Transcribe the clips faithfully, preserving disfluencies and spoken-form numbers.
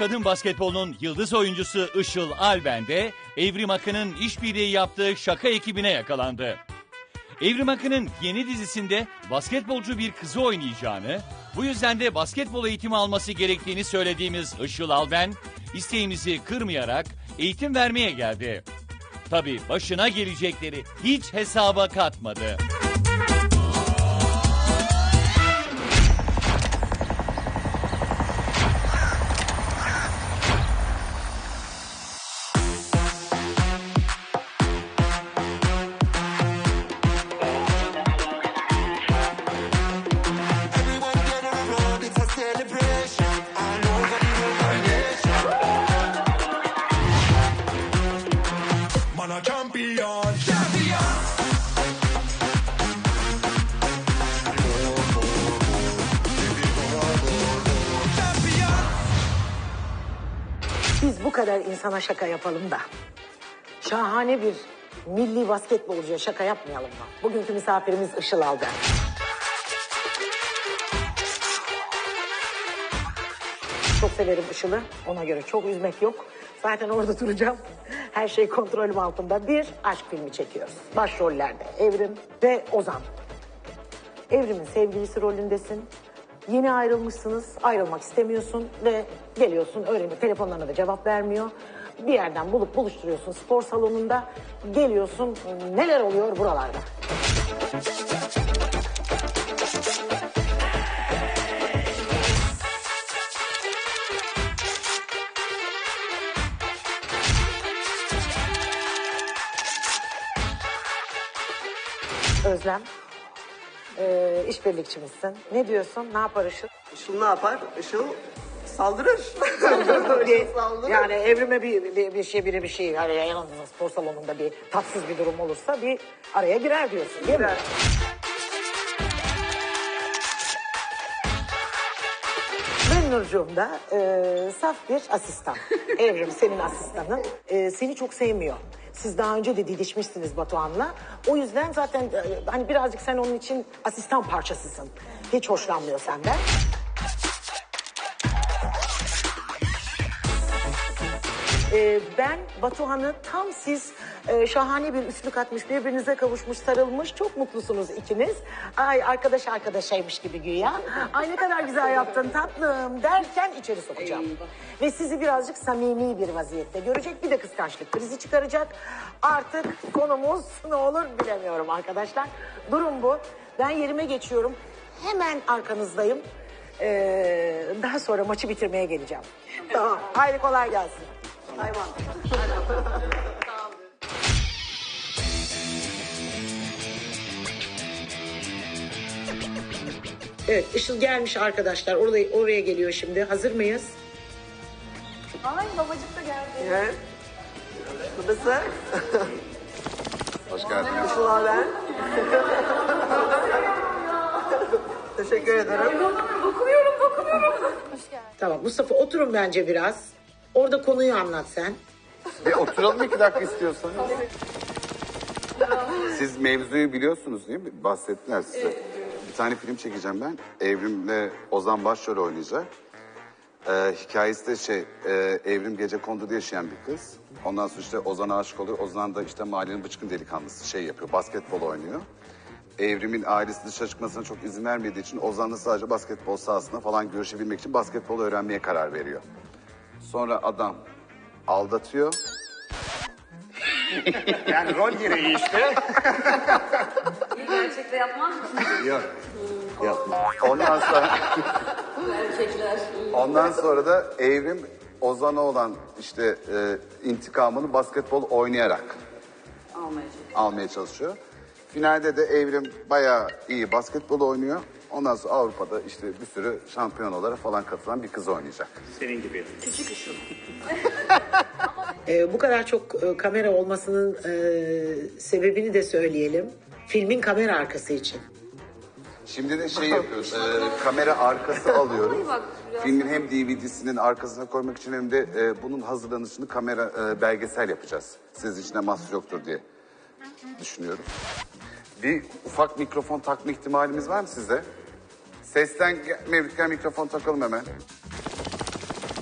kadın basketbolunun yıldız oyuncusu Işıl Alben de Evrim Akın'ın işbirliği yaptığı şaka ekibine yakalandı. Evrim Akın'ın yeni dizisinde basketbolcu bir kızı oynayacağını, bu yüzden de basketbol eğitimi alması gerektiğini söylediğimiz Işıl Alben, isteğimizi kırmayarak eğitim vermeye geldi. Tabii başına gelecekleri hiç hesaba katmadı. Biz bu kadar insana şaka yapalım da şahane bir milli basketbolcuya şaka yapmayalım mı? Bugünkü misafirimiz Işıl Alben. Çok severim Işıl'ı. Ona göre çok üzmek yok. Zaten orada duracağım. Her şey kontrolüm altında. Bir aşk filmi çekiyoruz. Başrollerde Evrim ve Ozan. Evrim'in sevgilisi rolündesin. Yeni ayrılmışsınız, ayrılmak istemiyorsun ve geliyorsun öğrenip telefonlarına da cevap vermiyor. Bir yerden bulup buluşturuyorsun spor salonunda, geliyorsun neler oluyor buralarda. Özlem. Ee, işbirlikçimizsin. Ne diyorsun? Ne yapar Işıl? Işıl ne yapar? Işıl saldırır. Işıl saldırır. Yani Evrim'e bir, bir, bir şey biri bir şey hani yanında spor salonunda bir tatsız bir durum olursa bir araya girer diyorsun değil mi? Girer. Nurcuğum da e, saf bir asistan. Evrim senin asistanın. E, seni çok sevmiyor. Siz daha önce de didişmişsiniz Batuhan'la. O yüzden zaten e, hani birazcık sen onun için asistan parçasısın. Hiç hoşlanmıyor senden. Ee, ben Batuhan'ı tam siz e, şahane bir üstlük atmış, birbirinize kavuşmuş, sarılmış, çok mutlusunuz ikiniz. Ay arkadaş arkadaşaymış gibi güya. Ay ne kadar güzel yaptın tatlım derken içeri sokacağım. Ve sizi birazcık samimi bir vaziyette görecek, bir de kıskançlık krizi çıkaracak. Artık konumuz ne olur bilemiyorum arkadaşlar. Durum bu. Ben yerime geçiyorum. Hemen arkanızdayım. Ee, daha sonra maçı bitirmeye geleceğim. Tamam. Haydi kolay gelsin. Hayvan. Evet, Işıl gelmiş arkadaşlar. Oraya, oraya geliyor şimdi. Hazır mıyız? Ay babacık da geldi. Evet. Babası. Hoş geldiniz. Işıl Alben. Teşekkür ederim. Bakıyorum, bakıyorum. Hoş geldin. Tamam, Mustafa oturun bence biraz. Orada konuyu anlat sen. Bir oturalım iki dakika istiyorsanız. Siz mevzuyu biliyorsunuz değil mi? Bahsettiler size. Bir tane film çekeceğim ben. Evrim'le Ozan başrol oynayacak. Ee, hikayesi de şey, e, Evrim gecekonduda yaşayan bir kız. Ondan sonra işte Ozan'a aşık oluyor. Ozan da işte mahallenin bıçkın delikanlısı şey yapıyor, basketbol oynuyor. Evrim'in ailesi dışarı çıkmasına çok izin vermediği için Ozan'la sadece basketbol sahasında falan görüşebilmek için basketbol öğrenmeye karar veriyor. Sonra adam aldatıyor. Yani rol gereği işte. Gerçekte yapmaz mısın? Yok. Yapma. Ondan sonra Erkekler. ondan sonra da Evrim Ozan'a olan işte e, intikamını basketbol oynayarak Almaya almaya çalışıyor. Finalde de Evrim bayağı iyi basketbol oynuyor. Ondan sonra Avrupa'da işte bir sürü şampiyonalara falan katılan bir kız oynayacak. Senin gibi. Küçük Işıl. Ee, bu kadar çok e, kamera olmasının e, sebebini de söyleyelim. Filmin kamera arkası için. Şimdi de şey yapıyoruz, e, kamera arkası alıyoruz. bak, biraz Filmin hem D V D'sinin arkasına koymak için hem de e, bunun hazırlanışını kamera e, belgesel yapacağız. Siz içine mahsur yoktur diye düşünüyorum. Bir ufak mikrofon takma ihtimalimiz var mı sizde? Sesten gel- Mevlütken mikrofon takalım hemen.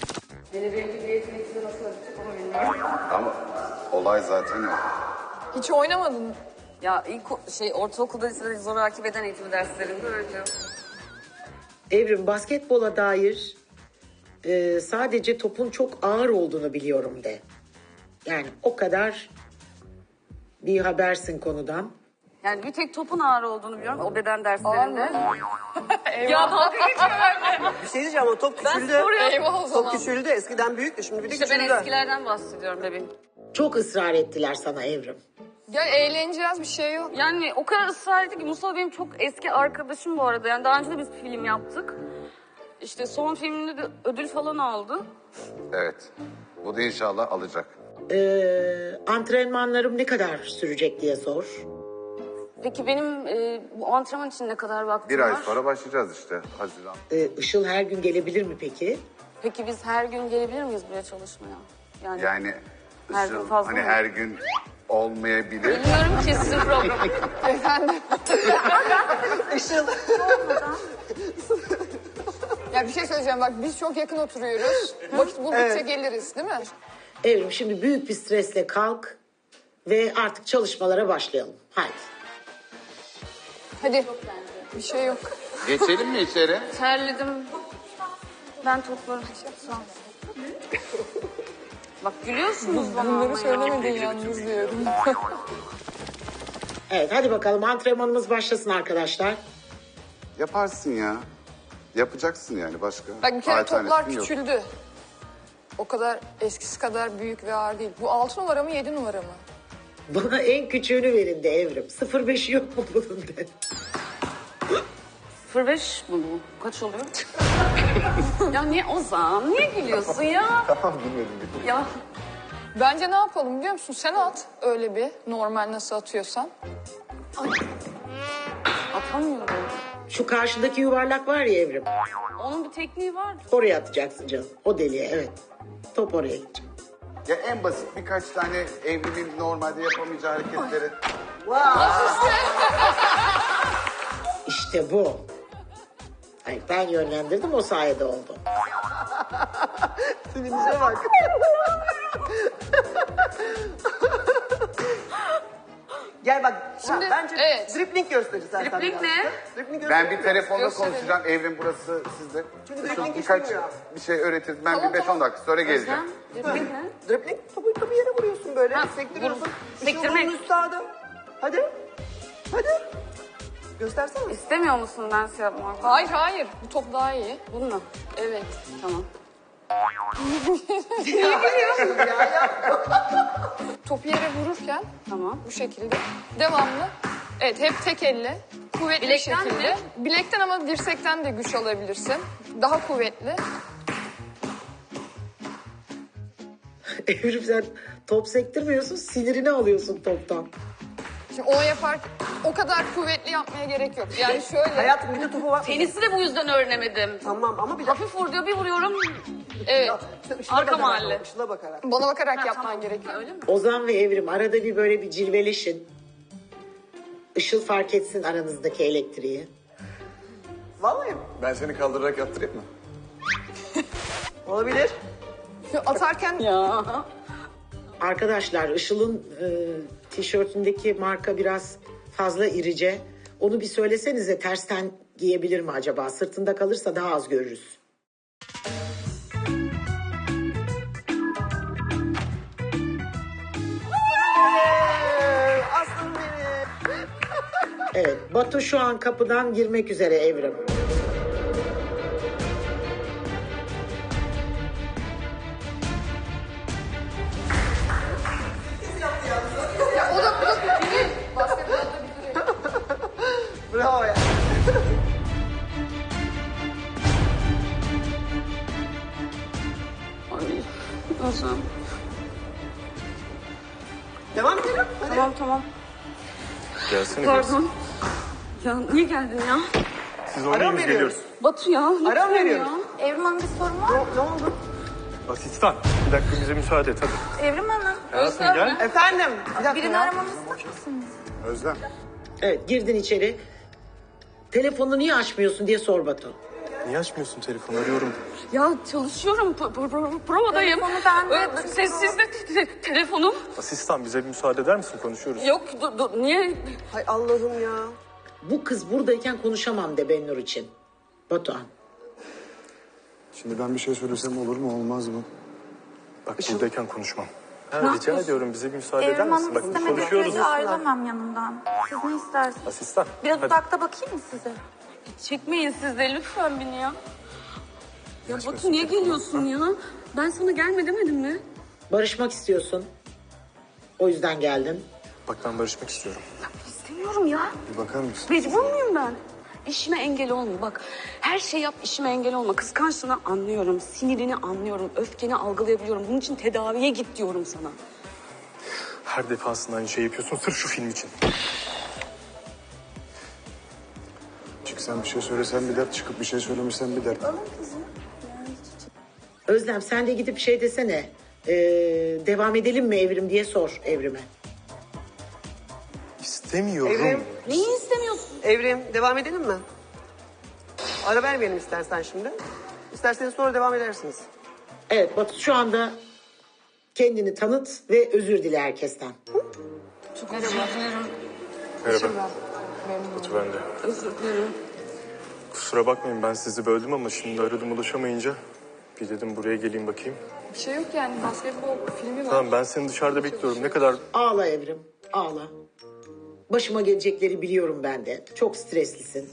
Beni belki bir yetenekli nasıl yapacak onu bilmiyorum. Ama olay zaten o. Hiç oynamadın mı? Ya ilk o- şey ortaokulda lisede zoraki beden eğitimi derslerinde öyle. Evrim, basketbola dair e, sadece topun çok ağır olduğunu biliyorum de. Yani o kadar bir habersin konudan. Yani bir tek topun ağır olduğunu biliyorum o beden derslerinde. Eyvah. Ya dalga geçiyor benimle. Bir şey diyeceğim ama top küçüldü. spor yaptım. Eyvah o Top zaman. küçüldü. Eskiden büyüktü. Şimdi bir de İşte ben küçüldü. eskilerden bahsediyorum bebeğim. Çok ısrar ettiler sana Evrim. Gel eğleneceğiz, bir şey yok. Yani o kadar ısrar etti ki Mustafa benim çok eski arkadaşım bu arada. Yani daha önce de biz film yaptık. İşte son filminde de ödül falan aldı. Evet. Bu da inşallah alacak. Ee, antrenmanlarım ne kadar sürecek diye sor. Peki benim e, bu antrenman için ne kadar vaktim Bir var? ay sonra başlayacağız işte. Haziran. Ee, Işıl her gün gelebilir mi peki? Peki biz her gün gelebilir miyiz buraya çalışmaya? Yani, Yani Her gün Işıl, fazla hani mı? her gün olmayabilir. bilmiyorum ki sizin programı. Efendim. Işıl. Ya bir şey söyleyeceğim bak, biz çok yakın oturuyoruz. Vakit buldukça Evet. geliriz değil mi? Evrim, şimdi büyük bir stresle kalk ve artık çalışmalara başlayalım. Haydi. Hadi. Bir şey yok. Geçelim mi içeri? Terledim. Ben toplarım. Sağ ol. Bak gülüyorsunuz bana ama Bunları ya. söylemedin yalnız diyorum. Evet, hadi bakalım antrenmanımız başlasın arkadaşlar. Yaparsın ya. Yapacaksın yani başka. Bak bir kere Alternatifin toplar yok. küçüldü. O kadar eskisi kadar büyük ve ağır değil. Bu altı numara mı yedi numara mı? Bana en küçüğünü verin de Evrim. sıfır beşi yok mu bunun de. sıfır beş mi bu? Kaç oluyor? Ya niye Ozan? Niye gülüyorsun ya? Tamam bilmedim. Ya Bence ne yapalım biliyor musun? Sen at öyle bir normal nasıl atıyorsan. atamıyorum. Şu karşıdaki yuvarlak var ya Evrim. Onun bir tekniği var. Oraya atacaksın canım. O deliğe, evet. Top oraya gidecek. Ya en basit birkaç tane evrimin normalde yapamayacağı hareketleri. İşte bu. Hayır, ben yönlendirdim, o sayede oldu. Sevince bak. Gel bak. Şimdi, ha, bence evet. dripling gösteririz zaten. Dripling biraz. ne? Dripling gösteririz. Ben bir telefonda Gösterelim. konuşacağım. Evrim burası sizde. Çünkü Şu dribbling birkaç işlemiyor. bir şey öğretiriz. Ben Tamam, bir beş on tamam. dakika sonra geleceğim. Özlem, dripling ne? Dripling topu, topu yere vuruyorsun böyle. Ha, Sektiriyorsun. vur- Işıl sektirmek. bunun üstadı. Hadi. Hadi. Göstersene. İstemiyor musun ben şey yapmak? Hayır hayır, bu top daha iyi. Bununla. Evet. Tamam. Topu yere vururken Tamam. bu şekilde devamlı. Evet, hep tek elle. Kuvvetli Bilekten bir şekilde. mi? Bilekten ama dirsekten de güç alabilirsin. Daha kuvvetli. Evrim, sen top sektirmiyorsun, sinirini alıyorsun toptan. Şimdi onu yapar, o kadar kuvvetli yapmaya gerek yok. Yani şöyle. Hayatım bir de topu var. Tenisi de bu yüzden öğrenemedim. Tamam ama bir dakika. Hafif vur diyor bir vuruyorum. Evet. İşte Işıl'a Arka bakarak, mahalle. Işıl'a bakarak. Bana bakarak Ha, yapman tamam. gerekiyor. Öyle mi? Ozan ve Evrim arada bir böyle bir cilveleşin. Işıl fark etsin aranızdaki elektriği. Vallahi Ben seni kaldırarak yaptırayım mı? olabilir. Şu atarken Ya. Arkadaşlar, Işıl'ın e, tişörtündeki marka biraz fazla irice. Onu bir söylesenize, tersten giyebilir mi acaba? Sırtında kalırsa daha az görürüz. Ee, Aslanım benim. Evet, Batu şu an kapıdan girmek üzere Evrim. ya o da bu da bir değil. Basketbolda bir değil. Bravo ya. Ay. Ozan. Devam edelim. Hadi. Tamam tamam. Gelsene biraz. Pardon. Ya niye geldin ya? Siz Ara oynayın mı biz veriyoruz? geliyoruz. Batu ya. lütfen Ara mı ya. veriyoruz? Evrim Hanım bir sorun var Ne, mı? ne oldu? Asistan. Bir dakika bize müsaade et hadi. Evrim Hanım. Hayatım gel. Efendim. Bir dakika Birini ya. aramamı ister misiniz? Özlem. Evet, girdin içeri. Telefonunu niye açmıyorsun diye sor Batu. Niye açmıyorsun telefonu? Arıyorum. Ya çalışıyorum. P- p- p- provadayım. Telefonu bende. Ee, Sessizde te- te- telefonum. Asistan bize bir müsaade eder misin? Konuşuyoruz. Yok dur, dur, niye? Hay Allah'ım ya. Bu kız buradayken konuşamam de Bennur için. Batuhan. Şimdi ben bir şey söylesem olur mu olmaz mı? Bak buradayken konuşmam. Ha, rica ediyorum bize bir müsaade eder Evrim misin? Hanım Bak istemediği konuşuyoruz. sürece ayrılamam yanımdan. Siz ne istersiniz? Asistan. Biraz hadi. uzakta bakayım mı size? Çekmeyin siz de lütfen beni ya. Ya Açmasın Batu niye telefonu. geliyorsun ya? Ben sana gelme demedim mi? Barışmak istiyorsun. O yüzden geldin. Bak ben barışmak istiyorum. İstemiyorum ya. Bir bakar mısın? Mecbur muyum ben? İşime engel olma bak. Her şey yap işime engel olma. Kıskançlığını anlıyorum. Sinirini anlıyorum. Öfkeni algılayabiliyorum. Bunun için tedaviye git diyorum sana. Her defasında aynı şey yapıyorsun sırf şu film için. Çıksan bir şey söylesen bir dert, çıkıp bir şey söylemesen bir dert. Özlem sen de gidip şey desene. Ee, devam edelim mi Evrim diye sor Evrim'e. İstemiyorum. Evrim, Neyi istemiyorsun? Evrim devam edelim mi? Ara vermeyelim istersen şimdi. İsterseniz sonra devam edersiniz. Evet Batu şu anda kendini tanıt ve özür dile herkesten. Çok özür dilerim. Merhaba. Batu ben de. Özür dilerim. Kusura bakmayın ben sizi böldüm ama şimdi aradım ulaşamayınca bir dedim buraya geleyim bakayım. Bir şey yok yani. Basketbol filmi var. Tamam ben seni dışarıda bekliyorum. Ne kadar Ağla Evrim, ağla. Başıma gelecekleri biliyorum ben de. Çok streslisin.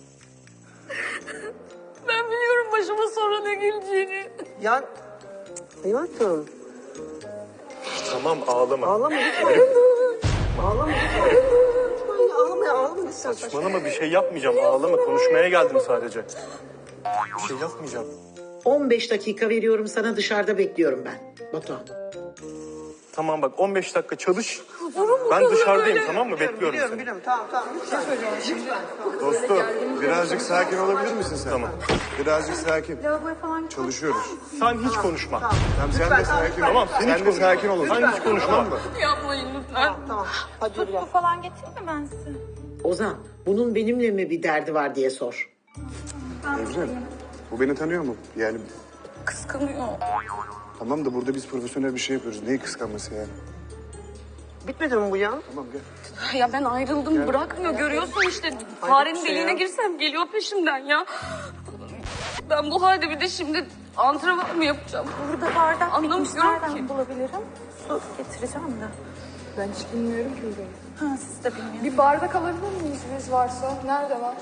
Ben biliyorum başıma sonra ne geleceğini. Ya hayatım tamam ağlama. ağlama lütfen. Ağlama lütfen. Lütfen ağlama ya, ağlama lütfen. Saçmalama bir şey yapmayacağım. Ağlama konuşmaya geldim sadece. Bir şey yapmayacağım. on beş dakika veriyorum sana dışarıda bekliyorum ben. Batuhan. Tamam bak on beş dakika çalış. Ben dışarıdayım tamam mı? Bekliyorum Biliyorum seni. biliyorum tamam tamam lütfen. Dostum birazcık sakin olabilir misin sen? Tamam. Birazcık sakin. Lavaboya falan gitmek. Çalışıyoruz. Sen hiç konuşma. Tamam sen de sakin ol. Tamam sen, Sen hiç de konuşma. sakin ol. Sen hiç konuşma. Tamam mı? Yapmayın lütfen. Tamam hadi yürü gel. Su falan getireyim mi ben size? Ozan bunun benimle mi bir derdi var diye sor. Evren bu beni tanıyor mu? Yani Kıskanıyor. tamam da burada biz profesyonel bir şey yapıyoruz. Neyi kıskanması yani? Bitmedi mi bu ya? Tamam gel. Ya ben ayrıldım bırakmıyor görüyorsun işte. Farenin bir şey deliğine ya. girsem geliyor peşimden ya. Ben bu halde bir de şimdi antrenman mı yapacağım? Burada bardak bitmiş. Anlamıyorum Nereden ki. bulabilirim? Su getireceğim de. Ben hiç bilmiyorum ki burayı. Ha siz de bilmiyorsunuz. Bir bardak alabilir miyiz biz varsa? Nerede var?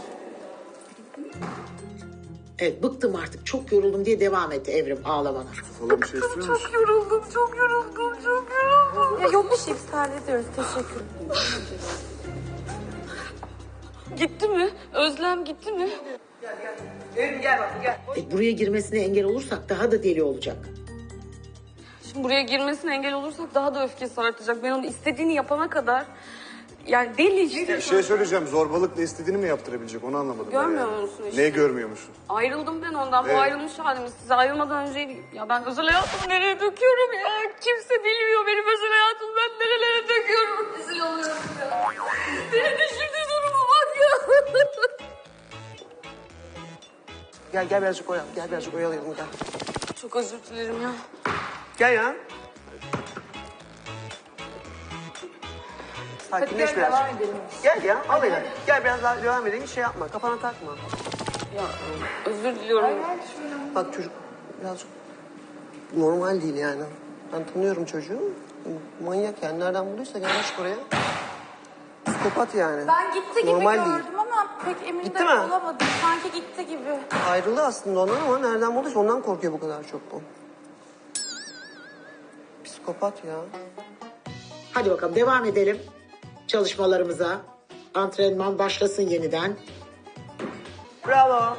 Evet bıktım artık çok yoruldum diye devam etti Evrim ağlamana. Falan bir şey istiyor musun? Çok yoruldum, çok yoruldum, çok yoruldum. Ya yok bir şey biz hallediyoruz. Teşekkür ederim. Gitti mi? Özlem gitti mi? Evrim gel bak gel. E, buraya girmesine engel olursak daha da deli olacak. Şimdi buraya girmesine engel olursak daha da öfkesi artacak. Ben onu istediğini yapana kadar... Yani deli işte. Bir şey söyleyeceğim. Zorbalıkla istediğini mi yaptırabilecek? Onu anlamadım. ben Görmüyor yani. musun işte? Neyi görmüyor musun? Ayrıldım ben ondan. Bu Evet. ayrılmış halimiz. Size ayrılmadan önce... Ya ben özel hayatımı nereye döküyorum ya? Kimse bilmiyor benim özel hayatımı. Ben nerelere döküyorum. Rezil oluyorum ya. Senin de şimdi duruma bak ya. Gel gel birazcık oyalayalım. Gel birazcık oyalayalım gel. Çok özür dilerim ya. Gel ya. Sakinleş biraz. Gel ya al ya. Gel biraz daha devam edelim. Şey yapma kafana takma. Ya özür diliyorum. Bak çocuk birazcık normal değil yani. Ben tanıyorum çocuğu. Manyak yani. Nereden bulduysa gelmiş buraya. Psikopat yani. Ben gitti gibi Normal gördüm değil. ama pek emin Gitti de mi? olamadım. Sanki gitti gibi. Ayrıldı aslında ondan ama nereden bulduysa ondan korkuyor bu kadar çok bu. Psikopat ya. Hadi bakalım devam edelim çalışmalarımıza. Antrenman başlasın yeniden. Bravo.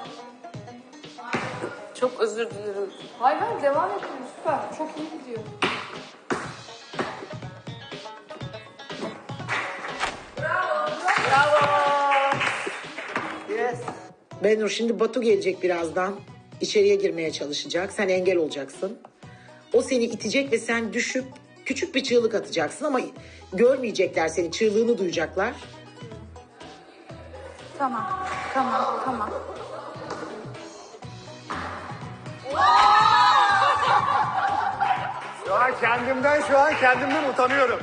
Çok özür dilerim. Hayır hayır devam edelim süper. Çok iyi gidiyor. Yes. Benur şimdi Batu gelecek birazdan. İçeriye girmeye çalışacak. Sen engel olacaksın. O seni itecek ve sen düşüp küçük bir çığlık atacaksın ama görmeyecekler seni. Çığlığını duyacaklar. Tamam. Tamam. Tamam. an kendimden şu an kendimden utanıyorum.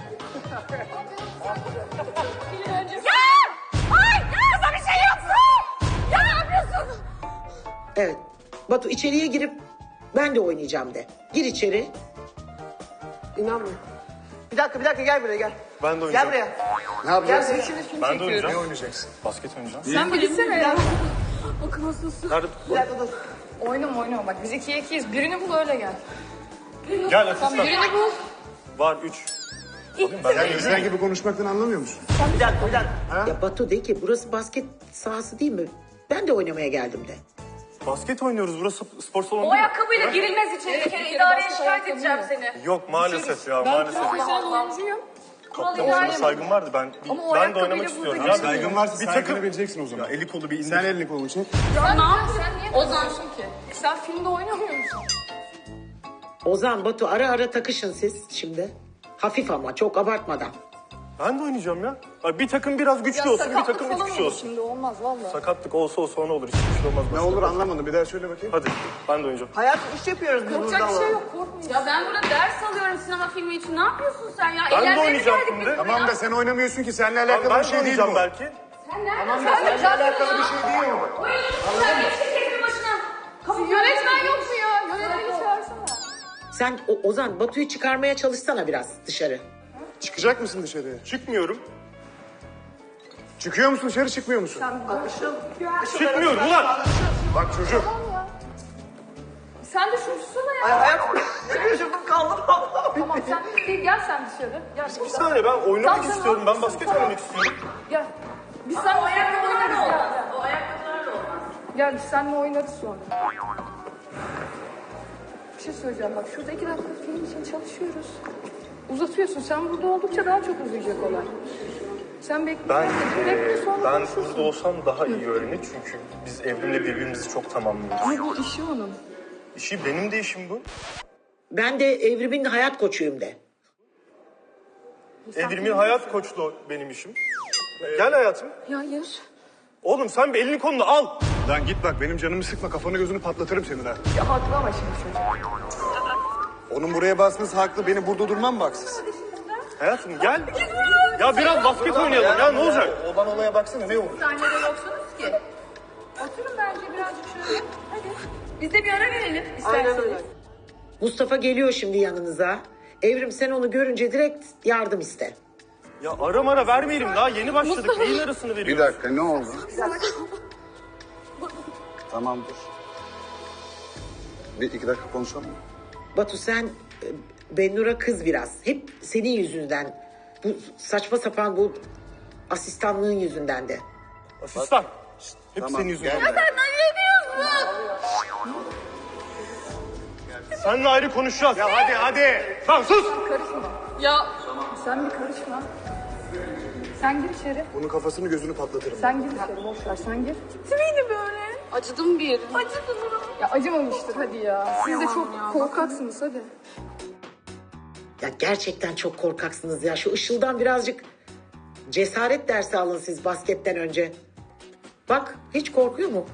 Ya! Ay! Ya sana bir şey yapsın! Ya ne yapıyorsun? Evet. Batu içeriye girip ben de oynayacağım de. Gir içeri. İnanmıyorum. Bir dakika bir dakika gel buraya gel. Ben de Gel oynayacağım. buraya. Ne Gel yapacaksın? buraya şimdi film Ben de çekiyoruz. oynayacağım. Ne oynayacaksın? Basket oynayacağım. Sen bilsene ya. Bakın nasılsın? Nerede? Bir dakika dur. Oynama oynama bak biz ikiye ikiyiz. Birini bul öyle gel. Gel Tamam asistan. birini bul. Var üç. Alayım ben. Yani insan gibi konuşmaktan anlamıyor musun? Bir dakika bir dakika. Ya Batu de ki burası basket sahası değil mi? Ben de oynamaya geldim de. Basket oynuyoruz. Burası spor salonu O değil mi? ayakkabıyla girilmez içeri. Bir kere idareye şikayet edeceğim seni. Yok maalesef ya Ben maalesef. profesyonel oyuncuyum. Kaptanım sana saygım vardı. Ben Ama o ben de ayakkabıyla oynamak burada istiyorum. giremez. Ya Saygın varsa bir saygını takım. bileceksin o zaman. Ya eli kolu bir indir. Sen elini kolunu çek. Sen ne yapıyorsun? Sen niye Ozan. takıyorsun ki? Sen filmde oynamıyor musun? Ozan, Batu ara ara takışın siz şimdi. Hafif ama çok abartmadan. Ben de oynayacağım ya. Ay, bir takım biraz güçlü olsun, bir sakatlık takım üç falan kişi olur olsun. Şimdi olmaz valla. Sakatlık olsa olsa ne olur, hiçbir şey olmaz. Ne başka. olur anlamadım. Bir daha söyle bakayım. Hadi, ben de oynayacağım. Hayat iş yapıyoruz biz burada Korkacak bir ama. şey yok korkmayın. Ya ben burada ders alıyorum sinema filmi için. Ne yapıyorsun sen ya? Ben de Eğlenmeye mi oynayacağım geldik şimdi. biz Tamam buraya? da sen oynamıyorsun ki. Seninle Ben, alakalı ben bir de şey değil oynayacağım bu. belki. Sen nereden Tamam da seninle alakalı bir şey değil mi? Oyuncusun sen. Geç şirketin başına. Kapı Yönetmen yok mu ya? Yönetmeni çağırsana. Sen o, Ozan, Batu'yu çıkarmaya çalışsana biraz dışarı. Çıkacak mısın dışarıya? Çıkmıyorum. Çıkıyor musun dışarı çıkmıyor musun? Çıkmıyorum ulan. Bak çocuk. Sen de şunu tutsana ya. Ay hayat şaşırdım kaldım. Tamam sen bir gel sen dışarı. Gel. Bir saniye ben oynamak Tamam, istiyorum. tamam. Ben basket oynamak istiyorum. Gel. Biz seninle ayakkabılarla oynarız. olmaz. Gel. O ayakkabılarla olmaz. Gel biz seninle oynarız sonra. Bir şey söyleyeceğim bak şurada iki dakika film için çalışıyoruz. Uzatıyorsun sen burada oldukça daha çok uzayacak olay. Sen bekle. Ben, bekle eee, sonra ben konuşursun. burada olsam daha iyi öğrenir çünkü biz Evrim'le birbirimizi çok tamamlıyoruz. Ama bu işi onun. İşi benim de işim bu. Ben de Evrim'in hayat koçuyum de. Evrim'in hayat koçluğu benim işim. Gel hayatım. Ya hayır. Oğlum sen bir elini kolunu al. Lan git bak benim canımı sıkma. Kafanı gözünü patlatırım senin ha. Ya haklı ama şimdi çocuk. Onun buraya basması haklı. Benim burada durmam mı haksız? Hayatım gel. Ya biraz basket oynayalım ya ne olacak? Olan olaya baksana ne olur? Sahnede yoksunuz ki. Oturun bence birazcık şöyle. Hadi. Biz de bir ara verelim Aynen isterseniz. öyle. Mustafa geliyor şimdi yanınıza. Evrim sen onu görünce direkt yardım iste. Ya ara mara vermeyelim daha yeni başladık. Neyin arasını Bir veriyoruz? dakika ne oldu? Tamam dur. Bir iki dakika konuşalım mı? Batu sen e, Bennur'a kız biraz. Hep senin yüzünden. Bu saçma sapan bu asistanlığın yüzünden de. Asistan. Hep Tamam, senin yüzünden. gel. Seninle ayrı konuşacağız. Ya hadi hadi. Lan sus. Ya Sen bir karışma. Sen gir içeri. Bunun kafasını gözünü patlatırım. Sen gir içeri boş ver sen gir. beni böyle. Acıdım bir yerim. Acıdım. Ya acımamıştır hadi ya. Siz de çok korkaksınız hadi. Ya gerçekten çok korkaksınız ya. Şu Işıl'dan birazcık cesaret dersi alın siz basketten önce. Bak hiç korkuyor mu?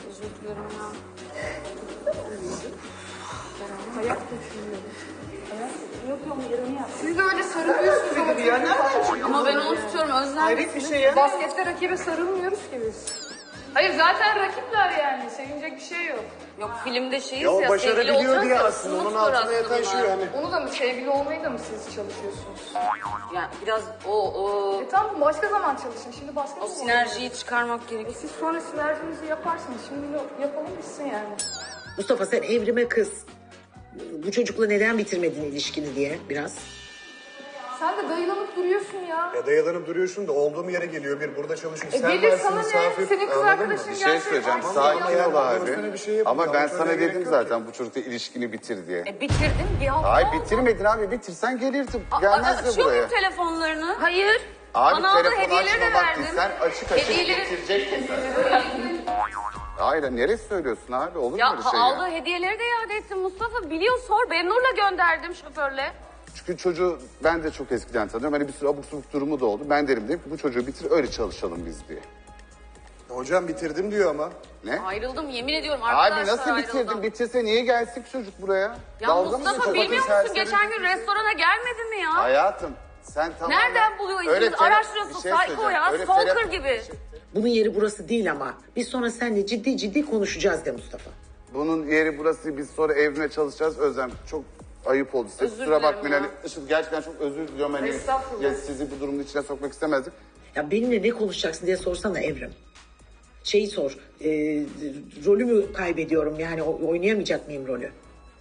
Siz de öyle sarılıyorsunuz ama Ya nereden çıktı? Ama ben onu tutuyorum Özlem. Hayret bir şey ya. baskette rakibe sarılmıyoruz ki biz. Hayır zaten rakipler yani. Sevinecek bir şey yok. Yok filmde şeyiz Ya o ya. başarabiliyor sevgili diye olacağız aslında. ya, Onun umut var altına yatan aslında. şey yani. Onu da mı sevgili olmayı da mı siz çalışıyorsunuz? Yani biraz o o E tamam başka zaman çalışın. Şimdi basket o mi sinerjiyi çıkarmak E gerekiyor. siz sonra sinerjinizi yaparsınız. Şimdi yapalım bitsin yani. Mustafa sen Evrim'e kız. Bu çocukla neden bitirmedin ilişkini diye biraz. Sen de dayılanıp duruyorsun ya. Ya dayalanıp duruyorsun da olduğum yere geliyor. Bir burada çalışıyor. E Sen gelir varsın, sana ne? misafir. Senin kız Anladın mı? arkadaşın Bir şey gelse söyleyeceğim. ay, Sakin ya. ol abi. Üstüne bir şey yapın. Ama ben Daha sana sonra gerek dedim yok zaten bu çocukla ilişkini bitir diye. E bitirdim bir hafta Hayır oldu. bitirmedin abi. Bitirsen gelirdim. Aa, Gelmezdi açıyor buraya. muyum telefonlarını? Hayır. Abi Bana aldığı telefonu hediyeleri de açma bak verdim. sen açık açık Hediyeleri- bitireceksin sen. Hayır neresi söylüyorsun abi? Olur mu Ya öyle şey aldığı ya? hediyeleri de iade ettim Mustafa. Biliyor sor. Bennur'la gönderdim şoförle. Çünkü çocuğu ben de çok eskiden tanıyorum. Hani bir sürü abuk subuk durumu da oldu. Ben derim dedim ki bu çocuğu bitir öyle çalışalım biz diye. Hocam bitirdim diyor ama. Ne? Ayrıldım yemin ediyorum Abi arkadaşlar nasıl bitirdin? ayrıldım. Bitirse niye gelsin çocuk buraya? Ya Dalga mı Mustafa geçiyorsun? bilmiyor Bakın musun serseri- geçen gün restorana gelmedi mi ya? Hayatım sen tamamen... Nereden buluyor Öyle izinizi? tele- Araştırıyorsun bir şey psycho söyleyeceğim. ya. Öyle Stalker tele- gibi. Bunun yeri burası değil ama. Biz sonra seninle ciddi ciddi konuşacağız de Mustafa. Bunun yeri burası, biz sonra evrime çalışacağız. Özlem çok ayıp oldu size. Özür Kusura dilerim bakmayın. ya. Hani Işıl gerçekten çok özür diliyorum. Hani Estağfurullah. ya sizi bu durumun içine sokmak istemezdik. Ya benimle ne konuşacaksın diye sorsana Evrim. Şeyi sor. E, rolümü kaybediyorum yani o- oynayamayacak mıyım rolü?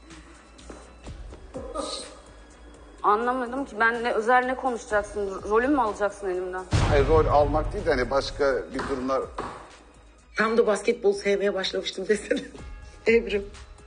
Anlamadım ki ben ne özel ne konuşacaksın? Rolüm mü alacaksın elimden? Hayır rol almak değil de hani başka bir durumlar... Tam da basketbol sevmeye başlamıştım desene. Evrim.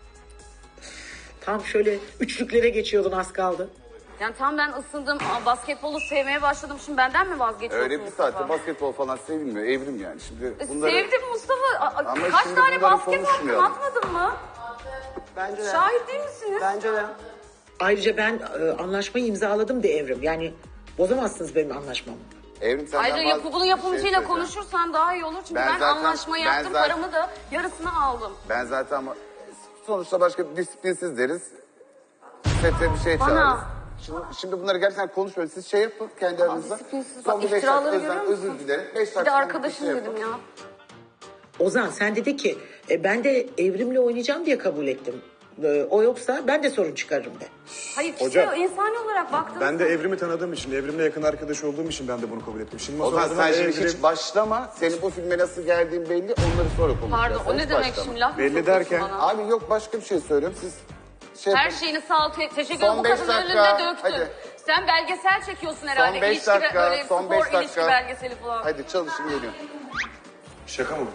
Tam şöyle üçlüklere geçiyordun az kaldı. Yani tam ben ısındım, aa, basketbolu sevmeye başladım. Şimdi benden mi vazgeçiyorsun Öyle bir Mustafa? saatte basketbol falan sevilmiyor. Evrim yani. Şimdi E, bunları... Sevdim Mustafa. Aa, Ama kaç şimdi tane bunları basketbol konuşmayalım. atmadın mı? Bence de. Şahit değil misiniz? Bence de. Ayrıca ben e, anlaşmayı imzaladım de Evrim. Yani bozamazsınız benim anlaşmamı. Evrim senden Ayrıca bazı- yapı, bunu bir şey yapımcıyla söyleyeceğim. konuşursan daha iyi olur. Çünkü Ben ben, zaten- anlaşmayı ben yaptım, zaten- paramı da yarısını aldım. Ben zaten ama sonuçta başka bir disiplinsiz deriz. Sete bir şey Bana- çağırırız. Şimdi, şimdi bunları gerçekten konuşmuyoruz. Siz şey yapın kendi aranızda. Disiplinsiz. Son Bak bir beş iftiraları dakika görüyor özür, musun? özür dilerim. Beş Bir dakika de sonra arkadaşım şey dedim yapın. ya. Ozan sen dedi ki e, ben de Evrim'le oynayacağım diye kabul ettim. E, o yoksa ben de sorun çıkarırım de. Hayır Hocam, kişi insani olarak baktığınız Ben de Evrim'i tanıdığım için, Evrim'le yakın arkadaş olduğum için ben de bunu kabul ettim. Şimdi O zaman masada sen şimdi Evrim- hiç başlama. Senin bu filme nasıl geldiğin belli. Onları sonra konuşacağız. Pardon Sen o ne hiç demek başlama. şimdi laf mı Belli sokuyorsun derken- bana? Abi yok başka bir şey söylüyorum. Siz şey Her yapın. şeyini sağ ol. Te- teşekkür Son ederim. Bu beş kadının dakika, önünde döktün. hadi. Sen belgesel çekiyorsun herhalde. Son beş İlişki ve dakika, böyle son spor beş ilişki dakika. belgeseli falan. Hadi çalışın geliyorum. Şaka mı?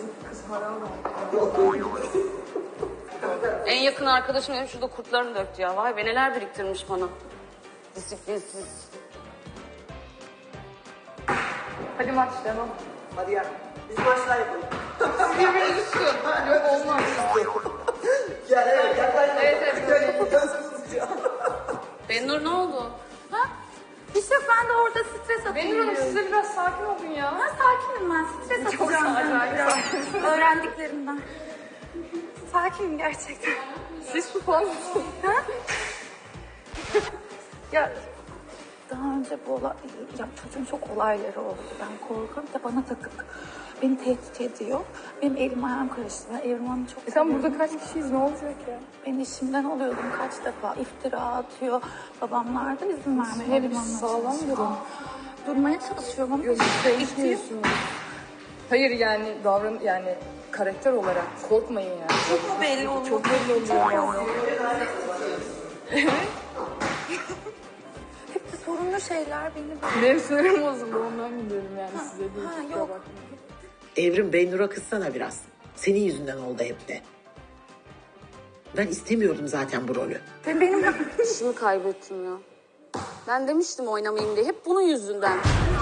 En yakın arkadaşım benim şurada kurtlarını döktü ya. Vay be neler biriktirmiş bana. Disiplinsiz. Hadi maç devam. Hadi gel. Biz maçlar yapalım. Birbirinizi tutun. Yok olmaz. Gel evet gel. Evet evet. Gel. Benur ne oldu? Ha? Hiç yok ben de orada stres atıyorum. Benim hanım siz de biraz sakin olun ya. Ben sakinim ben stres Çok atacağım. sakin. ben biraz. Öğrendiklerimden. Sakinim gerçekten. Siz su falan mısınız? Ha? Ya daha önce bu olay, ya çocuğun çok olayları oldu. Ben korkuyorum da bana takık. Beni tehdit ediyor. Benim elim ayağım karıştı. Ben Evrim Hanım'ı çok E sen seviyorum. burada kaç kişiyiz ne olacak ya? Ben işimden oluyordum kaç defa. İftira atıyor. Babamlar da izin vermiyor. Hep Evrim Hanım'la sağlam çalışıyor. durun. Durmaya çalışıyorum ama Yok işte istiyor. değişmiyorsunuz. Hayır yani davran yani karakter olarak korkmayın yani. Çok mu belli oluyor? Çok belli oluyor yani. Hep de sorunlu şeyler beni böyle. Benim sinirim bozuldu ondan biliyorum yani size değil. Ha, kusura yok. bakmayın. Evrim Benur'a kızsana biraz. Senin yüzünden oldu hep de. Ben istemiyordum zaten bu rolü. Ben benim İşimi kaybettim ya. Ben demiştim oynamayayım diye. Hep bunun yüzünden.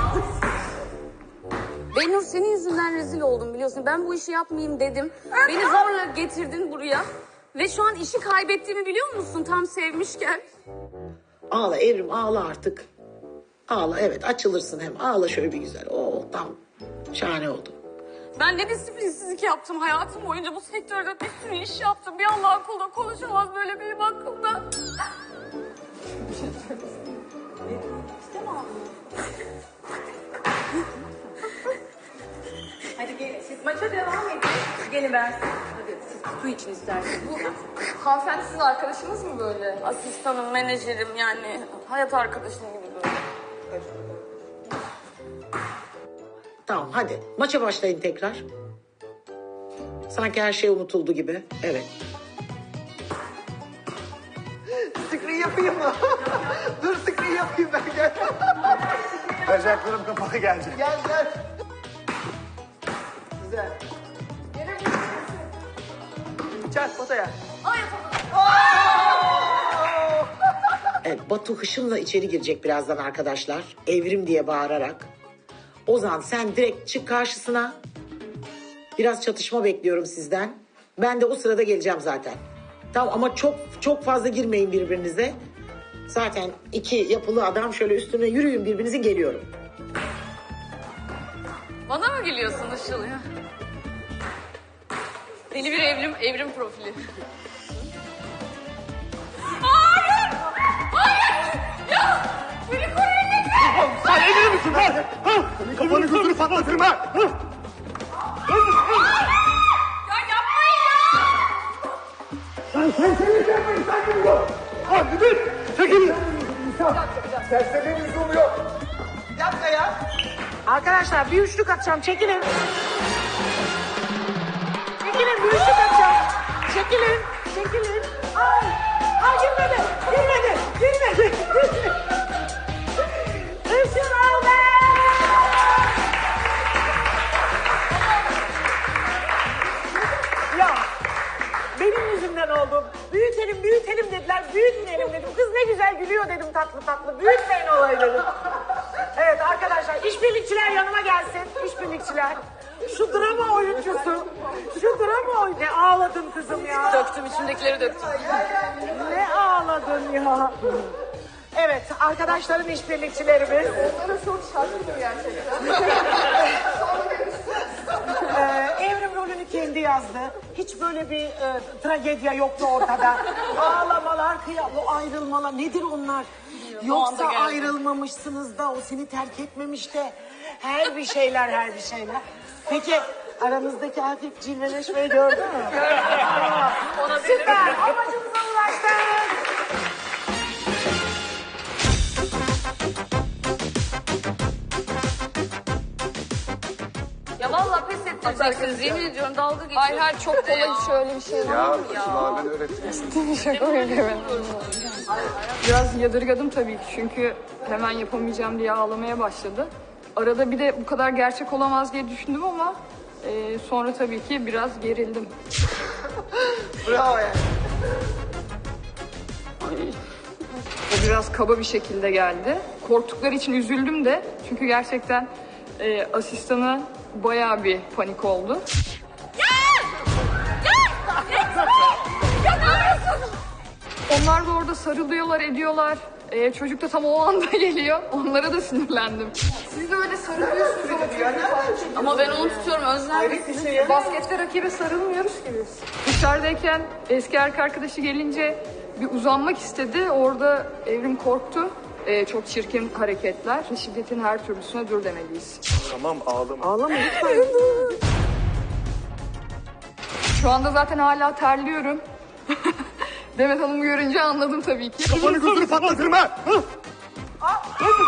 Benur senin yüzünden rezil oldum biliyorsun. Ben bu işi yapmayayım dedim. Beni zorla getirdin buraya. Ve şu an işi kaybettiğimi biliyor musun tam sevmişken? Ağla Evrim ağla artık. Ağla evet açılırsın hem ağla şöyle bir güzel. Oo tam şahane oldu. Ben ne disiplinsizlik yaptım hayatım boyunca bu sektörde bir sürü iş yaptım. Bir Allah'ın kulu konuşamaz böyle benim hakkımda. Hadi gelin siz maça devam edin. Gelin ben hadi siz su için isterseniz. Bu hanımefendi sizin arkadaşınız mı böyle? Asistanım, menajerim yani hayat arkadaşım gibi böyle. Tamam hadi maça başlayın tekrar. Sanki her şey unutuldu gibi. Evet. Screen yapayım mı? Dur screen yapayım ben gel. Bacaklarım kapalı geldi. Gel gel. Güzel. Çak potaya. Evet, Batu hışımla içeri girecek birazdan arkadaşlar. Evrim diye bağırarak. Ozan sen direkt çık karşısına. Biraz çatışma bekliyorum sizden. Ben de o sırada geleceğim zaten. Tamam ama çok çok fazla girmeyin birbirinize. Zaten iki yapılı adam şöyle üstüne yürüyün birbirinizin geliyorum. Bana mı gülüyorsun Işıl ya? Deli bir evrim, evrim profili. Hayır! Hayır! Ya! Beni koruyun lütfen! Sen evli misin lan? Ha? Senin kafanı gözünü patlatırım ha! Ha? Ya yapmayın ya! Sen sen seni yapmayın sen gibi ol! Hadi bir! Çekilin! Serseri lüzum yok! Bir dakika ya. Arkadaşlar bir üçlük atacağım. Çekilin. Çekilin bir üçlük atacağım. Çekilin. Çekilin. Ay. Ay girmedi. Girmedi. Girmedi. Işıl aldı. Ya benim yüzümden oldu. Büyütelim büyütelim dediler. Büyütmeyelim dedim. Kız ne güzel gülüyor dedim tatlı tatlı. Büyütmeyin olayı dedim. Evet arkadaşlar işbirlikçiler yanıma gelsin. İşbirlikçiler. Şu drama oyuncusu. Şu drama oyuncusu. Ne ağladın kızım ya. Döktüm, içimdekileri döktüm. Ne ağladın ya. Evet arkadaşlarım işbirlikçilerimiz. Onlara çok şaşkınım gerçekten. Ee, Evrim rolünü kendi yazdı. Hiç böyle bir e, tragedya yoktu ortada. Ağlamalar, kıyam, o ayrılmalar nedir onlar? Yoksa anda geldi. ayrılmamışsınız da o seni terk etmemiş de her bir şeyler her bir şeyler. Peki aranızdaki hafif cilveleşmeyi gördün mü? Ona Süper amacımıza ulaştık. Ya vallahi pes ettireceksiniz. Yemin ediyorum dalga geçiyorsunuz. Hayır hayır çok kolay hiç öyle bir şey var. Ya Işıl abi öğretmiş. Şaka yapıyorum. Biraz yadırgadım tabii ki çünkü hemen yapamayacağım diye ağlamaya başladı. Arada bir de bu kadar gerçek olamaz diye düşündüm ama e, sonra tabii ki biraz gerildim. Bravo ya. O biraz kaba bir şekilde geldi. Korktukları için üzüldüm de çünkü gerçekten e, asistanı bayağı bir panik oldu. Onlar da orada sarılıyorlar, ediyorlar. Ee, çocuk da tam o anda geliyor. Onlara da sinirlendim. Siz de öyle sarılıyorsunuz ama çocuk Ama ben onu tutuyorum Özlem. şey baskette rakibe sarılmıyoruz ki biz. Dışarıdayken eski erkek arkadaşı gelince bir uzanmak istedi. Orada Evrim korktu. Ee, çok çirkin hareketler. Şiddetin her türlüsüne dur demeliyiz. Tamam ağlama. Ağlama lütfen. Şu anda zaten hala terliyorum. Demet Hanım'ı görünce anladım tabii ki. Kafanı gözünü patlatırım ha! Ha?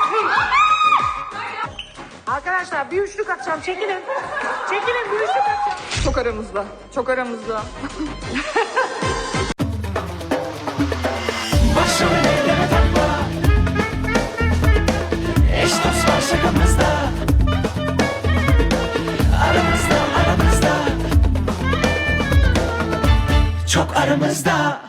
Arkadaşlar bir üçlük atacağım. Çekilin. Çekilin bir üçlük atacağım. Çok aramızda, çok aramızda. Başrollere takma. Eş dost var şakamızda. Aramızda aramızda. Çok aramızda.